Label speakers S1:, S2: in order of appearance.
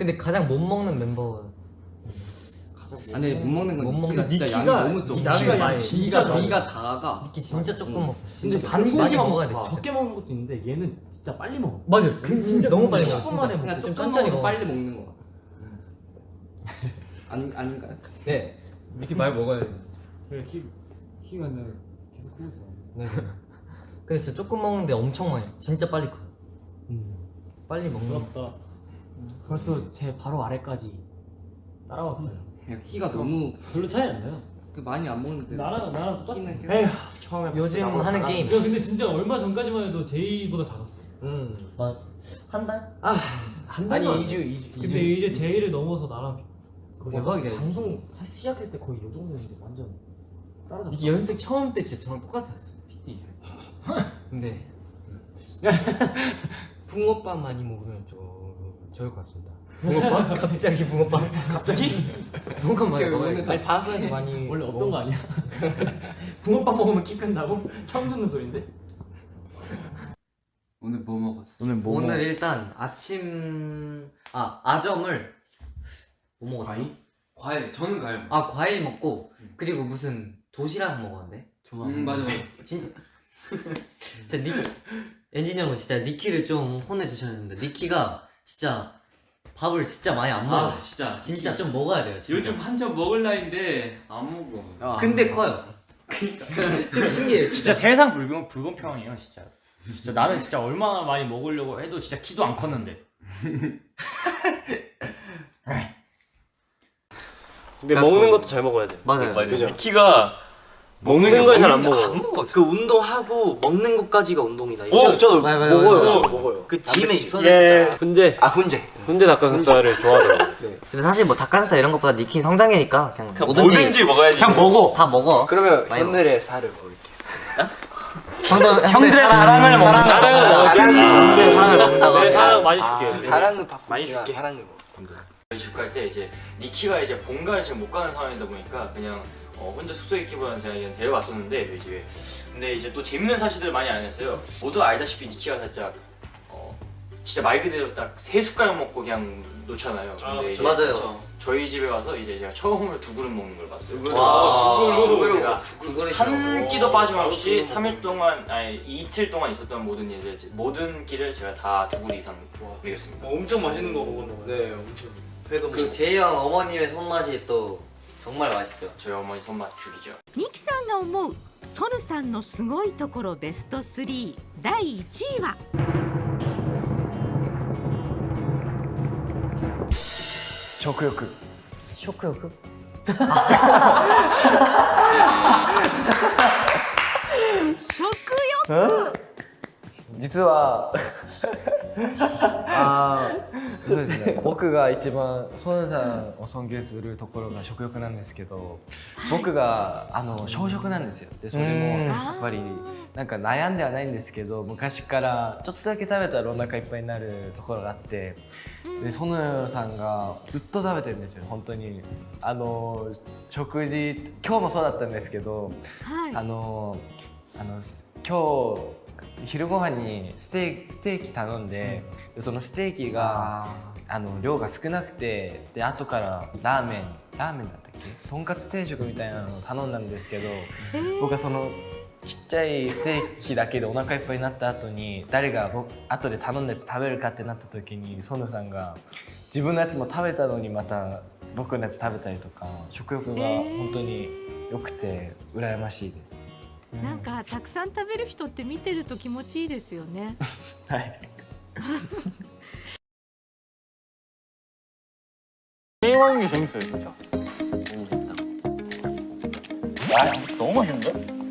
S1: 근데 가장 못 먹는 멤버.
S2: 근데 못 먹는 건
S1: 니키가
S2: 진짜 양이 너무 좀.
S1: 니키가
S2: 진짜 저희가 작아가.
S1: 니키 진짜 조금 먹.
S3: 근데 반고기만 먹어야 돼. 적게 먹는 것도 있는데 얘는 진짜 빨리 먹어.
S1: 맞아요. 진짜 너무 빨리 먹어.
S3: 10분 만에
S2: 그냥
S1: 좀
S2: 조금
S1: 천천히
S2: 먹어도
S1: 먹어.
S2: 빨리 먹는 거. 아닌가요?
S4: 네. 니키 많이 먹어야 돼.
S3: 그래 키가 그냥 계속 크고 있어.
S1: 네. 근데 진짜 조금 먹는데 엄청 많이. 진짜 빨리 커. 빨리 먹는.
S3: 부럽다. 벌써 제 바로 아래까지 따라왔어요.
S2: 그냥 키가 너무
S3: 별로 차이 안 나요.
S2: 많이 안 먹는데.
S3: 나랑 똑같아.
S2: 키는 계속.
S3: 에휴.
S4: 처음에
S1: 요즘 하는 게임.
S3: 야 근데 진짜 얼마 전까지만 해도 제이보다 작았어.
S1: 한 달?
S3: 한
S4: 아니
S3: 달도 안
S4: 2주
S3: 돼.
S4: 2주.
S3: 근데 이제 제이를 넘어서 나랑 거의
S4: 대박이다.
S3: 방송 시작했을 때 거의 이 정도였는데 완전 따라잡았어.
S4: 니키 연습생 처음 때 진짜 저랑 똑같았어. PT. 근데 붕어빵 많이 먹으면 좀 좋을 것 같습니다.
S1: 붕어빵? 갑자기 붕어빵?
S4: 갑자기? 붕어빵 많이 먹어야
S2: 오늘
S4: 돼. 아니 방송에서 많이
S3: 원래 없던 거 아니야? 붕어빵 먹으면 키 큰다고? 처음 듣는 소리인데?
S2: 오늘 뭐 먹었어?
S1: 오늘 일단 아침 아점을 뭐 먹었지?
S4: 과일. 저는 과일.
S1: 과일 먹고 그리고 무슨 도시락 먹었는데?
S2: 맞아.
S1: 진짜 엔지니 형은 진짜 니키를 좀 혼내주셨는데 니키가 진짜 밥을 진짜 많이 안 먹어. 진짜 좀 먹어야 돼요. 진짜.
S5: 요즘 한참 먹을 나이인데 안 먹어.
S1: 근데 커요. 좀 신기해요.
S6: 진짜 세상 불공평해요 진짜. 진짜 나는 진짜 얼마나 많이 먹으려고 해도 진짜 키도 안 컸는데.
S7: 근데 먹는 것도 잘 먹어야 돼.
S1: 맞아요.
S7: 키가 먹는 걸 잘 안 먹어.
S8: 그 운동하고 먹는 것까지가 운동이다.
S7: 저도
S8: 먹어요. 그 짐에 있어요.
S7: 예, 훈제. 훈제
S8: 네.
S7: 닭가슴살을 좋아하더라고.
S1: 근데 사실 뭐 닭가슴살 이런 것보다 니키 성장이니까 그냥
S7: 뭐든지 먹어야지.
S8: 그냥 먹어.
S1: 다 먹어.
S8: 그러면
S1: 많이
S8: 형들의 살을 먹을게.
S1: 형들의 사랑을 먹는다.
S8: 사랑을
S1: 먹는다고.
S7: 내 사랑 많이 줄게.
S8: 사랑을 받고
S7: 많이 줄게.
S8: 사랑을 먹어.
S6: 집 갈 때 이제 니키가 이제 본가를 지금 못 가는 상황이다 보니까 그냥 혼자 숙소에 있기보다는 제가 그냥 데려왔었는데 저희 집에. 근데 이제 또 재밌는 사실들 많이 안 했어요. 모두 알다시피 니키가 살짝 진짜 말 그대로 딱 3숟가락 먹고 그냥 놓잖아요. 근데 이제
S1: 맞아요.
S6: 저희 집에 와서 이제 제가 처음으로 2그릇 먹는 걸 봤어요.
S1: 두 그릇.
S6: 제가
S1: 두 그릇.
S6: 한 끼도 빠짐없이 3일 동안 이틀 동안 있었던 모든 끼를 제가 다 2그릇 이상 먹였습니다.
S2: 엄청 맛있는 거 먹었나 봐요. 네, 엄청. 회도
S1: 그 제이 형 어머님의 손맛이 또 정말 맛있죠.
S6: 저희 어머니 손맛 죽이죠.
S9: ミキさんが思うソヌさんのすごいところベスト3第1位は
S8: 食欲。
S1: 食欲？
S9: 食欲
S8: 実はそうですね。僕が一番ソヌさんを尊敬するところが食欲なんですけど、僕が小食なんですよ。でそれもやっぱりなんか悩んではないんですけど、昔からちょっとだけ食べたらお腹いっぱいになるところがあって、でソヌさんがずっと食べてるんですよ。本当に食事今日もそうだったんですけど、今日昼ご飯にステーキ頼んで、そのステーキが量が少なくて、で後からラーメンだったっけ、とんかつ定食みたいなのを頼んだんですけど、僕はそのちっちゃいステーキだけでお腹いっぱいになった後に誰が後で頼んだやつ食べるかってなった時にソヌさんが自分のやつも食べたのにまた僕のやつ食べたりとか、食欲が本当に良くて羨ましいです。
S9: なんかたくさん食べる人って見てると気持ちいいですよね。
S8: はい。
S7: 게임하는 게 재밌어요 진짜. 너무 재밌다. 와 너무 맛있는데?